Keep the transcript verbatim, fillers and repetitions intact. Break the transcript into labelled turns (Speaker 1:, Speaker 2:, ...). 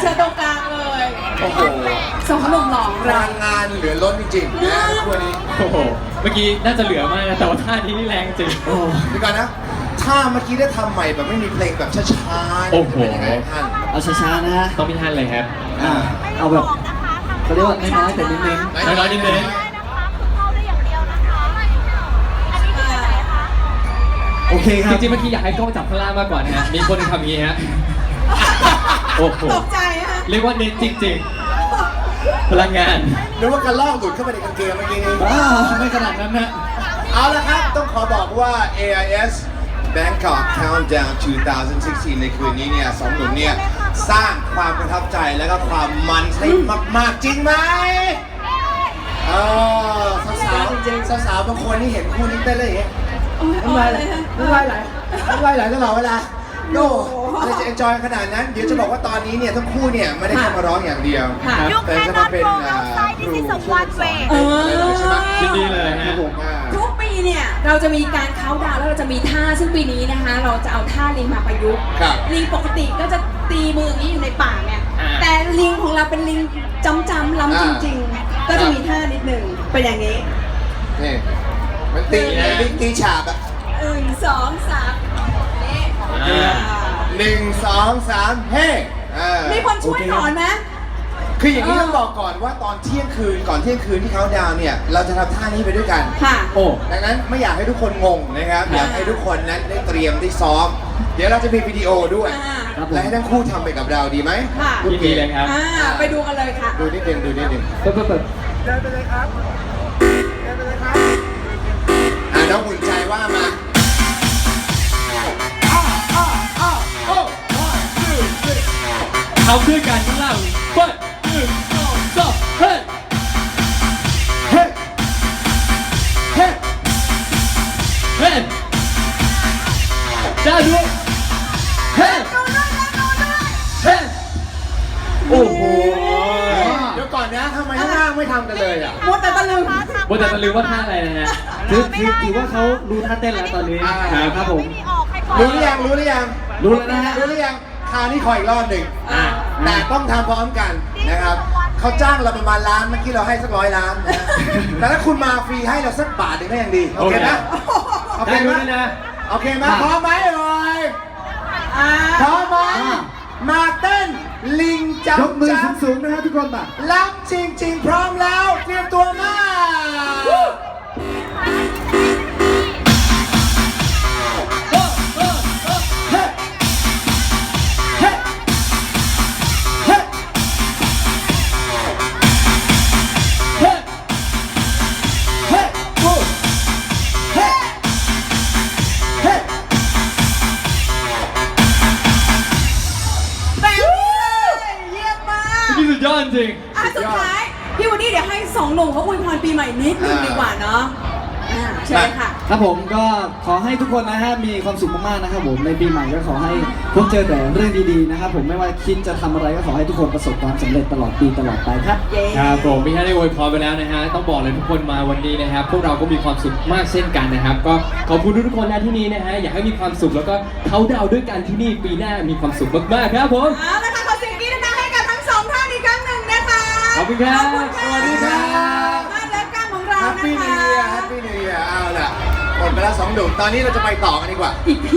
Speaker 1: ชิญตรงกลางเลย
Speaker 2: โอ้โห
Speaker 1: สองหนุ่มหล่อ
Speaker 2: พลังงานเหลือล้นจริงๆนะวันนี้
Speaker 3: โอ้โห เมื่อกี้น่าจะเหลือมากนะแต่ว่าท่านี้นี่แรงจริง
Speaker 2: โอ้เดี๋ยวก่อนนะ ถ้าเมื่อกี้ได้ทำใหม่แบบไม่มีเพลงแบบช้าๆ
Speaker 3: โอ้โห
Speaker 2: จะเป็นยังไงท่าน
Speaker 4: เอาช้าๆนะฮะ
Speaker 3: ต้องมีท่านเลยครับ
Speaker 4: อ่าเอาแบบเขาเรียกว่าน้อยๆแต่เน้น
Speaker 3: น้อยๆนิดนึง
Speaker 4: ๆโอเคค
Speaker 3: จ
Speaker 4: รับ
Speaker 3: ริงๆเมื่อกี้อยากให้กล้องจับข้างล่างมากกว่านะฮะ มีคนหนึ่งทำอย่างนี้ฮะ โอ้โห
Speaker 1: ตกใจฮะ
Speaker 3: เรียกว่าเน้นจริงๆ พลังงาน
Speaker 2: นึกว่ากระลอกหลุดเข้าไปในกางเกงเมื่อกี้นี้
Speaker 4: ว้าวไม่ขนาดนั้นนะ
Speaker 2: เอาละครับ ต้องขอบอกว่า เอ ไอ เอส Bangkok Countdown สองพันสิบหก ในคืนนี้เนี่ยสองหนุ่มเนี่ยสร้างความประทับใจและก็ความมันให้มากๆจริงไหมเออสาวๆสาวๆบางคนนี่เห็นคู่นี้เต้นเลยอย่างเงี้ย
Speaker 1: โอ้ย
Speaker 2: น้ำลายไหล
Speaker 1: เลยฮะ
Speaker 2: น้ำลายไหลน้ำลายไหลตลอดเวลาโน่อะไรจะ enjoy ขนาดนั้น เดี๋ยวจะบอกว่าตอนนี้เนี่ยทั้งคู่เนี่ยไม่ได้แค่มาร้องอย่างเดียว
Speaker 1: ค่ะ
Speaker 2: แต่จะมาเป็นอ่าครูช่วยสอน
Speaker 1: เออ
Speaker 2: ใช่ไหม
Speaker 3: ยินดีเลยฮะ
Speaker 2: ครับผมอ่า
Speaker 1: ทุกปีเนี่ยเราจะมีการเค้าน์ดาวน์แล้วเราจะมีท่าซึ่งปีนี้นะคะ เราจะเอาท่าลิงมาประยุกต์
Speaker 2: ครับ
Speaker 1: ลิงปกติก็จะตีมืออย่างนี้อยู่ในป่าไง
Speaker 3: อ่า
Speaker 1: แต่ลิงของเราเป็นลิงจำจำๆล้ำจริง ๆ ก็จะมีท่านิดหนึ่งเป็นอย่างนี้
Speaker 2: นี่มันตีมันตีตีฉาบอะ
Speaker 1: หนึ่งสองสามนี่
Speaker 3: อ่า
Speaker 2: หนึ่งสองสามเฮ้อ่า
Speaker 1: มีคนช่วยสอนไหม
Speaker 2: คืออย่างนี้ต้องบอกก่อนว่าตอนเที่ยงคืนก่อนเที่ยงคืนที่เขาดาวน์เนี่ยเราจะทำท่านี้ไปด้วยกัน
Speaker 1: ค่ะ
Speaker 3: โอ้
Speaker 2: ดังนั้นไม่อยากให้ทุกคนงงนะครับ อยากให้ทุกคนนั้นได้เตรียมได้ซ้อม เดี๋ยวเราจะมีวิดีโอด้วย
Speaker 1: อ่า
Speaker 4: ครับผม
Speaker 2: และให้ทั้งคู่ทำไปกับเราดีไหม
Speaker 1: ค่ะ
Speaker 3: ยินดีเลยครับ
Speaker 1: อ่าไปดูกันเลยค่ะ
Speaker 2: ดูนิดนึงดูนิดนึง
Speaker 4: เปิดเปิดเปิด
Speaker 2: เดินไปเลยครับเดินไปเลยครับอ่าน้องหุ่นใจว่ามาอ้าวอ้าวอ้าวโอ้ one two three
Speaker 3: เอาเพื่อกันข้างล่างเปิดหนึ่งสองสามเฮ้ย
Speaker 2: เฮ้เฮ้
Speaker 3: เฮ้ยได้ด้วย
Speaker 2: เฮ้เฮ้โอ้โห เดี๋ยวก่อนนะทำไมข้างล่างไม่ทำกันเลยอ่ะ
Speaker 1: มัวแต่ตะลึง
Speaker 3: บนแต่ตะลืมว่าท่าอะไรนะฮะ
Speaker 4: คือคือถือว่าเขารู้ท่าเต้นแล้วตอนนี้
Speaker 2: อ่า
Speaker 4: ครับผม
Speaker 2: รู้หรือยังรู้หรือยัง
Speaker 4: รู้แล้วนะฮะ
Speaker 2: รู้หรือยังคราวนี้ขออีกรอบหนึ่ง
Speaker 3: อ่า
Speaker 2: แต่ต้องทำพร้อมกันนะครับเขาจ้างเราประมาณล้านเมื่อกี้เราให้สักร้อยล้านนะแต่ถ้าคุณมาฟรีให้เราสักบาทหนึ่งก็ยังดีโอเคนะโอเค
Speaker 3: ได้
Speaker 2: ไหม
Speaker 3: ด้วยนะ
Speaker 2: โอเคไหมพร้อมไหมเอ่ย
Speaker 1: อ่า
Speaker 2: พร้อมไหมมาเต้นลิงจับ
Speaker 4: ยกมือ
Speaker 2: จับ
Speaker 4: สูงๆนะฮะทุกคนป่ะ
Speaker 2: ล้ำจริงๆ พร้อมแล้วเตรียมตัวมา
Speaker 1: แบบนี้เลยเยี่ยมมาก
Speaker 3: นี่สุดยอดจริง
Speaker 1: อ่ะสุดท้าย พี่วันนี้เดี๋ยวให้สองหนุ่มเขาอวยพรปีใหม่นิดนึงดีกว่าเนาะอ่าเชิญค่ะ
Speaker 4: ครับผมก็ขอให้ทุกคนนะฮะมีความสุขมากๆนะครับผมในปีใหม่ก็ขอให้พบเจอแต่เรื่องดีๆนะครับผมไม่ว่าคิดจะทำอะไรก็ขอให้ทุกคนประสบความสำเร็จตลอดปีตลอดไปครับ
Speaker 1: เย้
Speaker 3: ครับผมพี่ท่านได้อวยพรไปแล้วนะฮะต้องบอกเลยทุกคนมาวันนี้นะครับ พวกเราก็มีความสุขมากเช่นกันนะครับ ก็ขอบคุณทุกๆคนนะที่นี่นะฮะอยากให้มีความสุขแล้วก็เขาดาวน์ด้วยกันที่นี่ปีหน้ามีความสุขมากๆครับผม
Speaker 1: เอาละค่ะขอเสียงกรี๊ดดังๆให้กับทั้งสองท่านอีกครั้งหนึ่งนะคะ
Speaker 3: ขอบคุณครับ
Speaker 1: ขอณะ
Speaker 2: สวัสดีครับ
Speaker 1: บ้านเลิฟกันของเรา
Speaker 2: แฮป
Speaker 1: นะ
Speaker 2: ปี้นิว
Speaker 1: คะ
Speaker 2: เยียร์แฮปปี้นิวเยียร์เอาล่ะหมดไปแล้วสองหนุ่มตอนนี้เราจะไปต่อกันดีกว่า
Speaker 1: อีก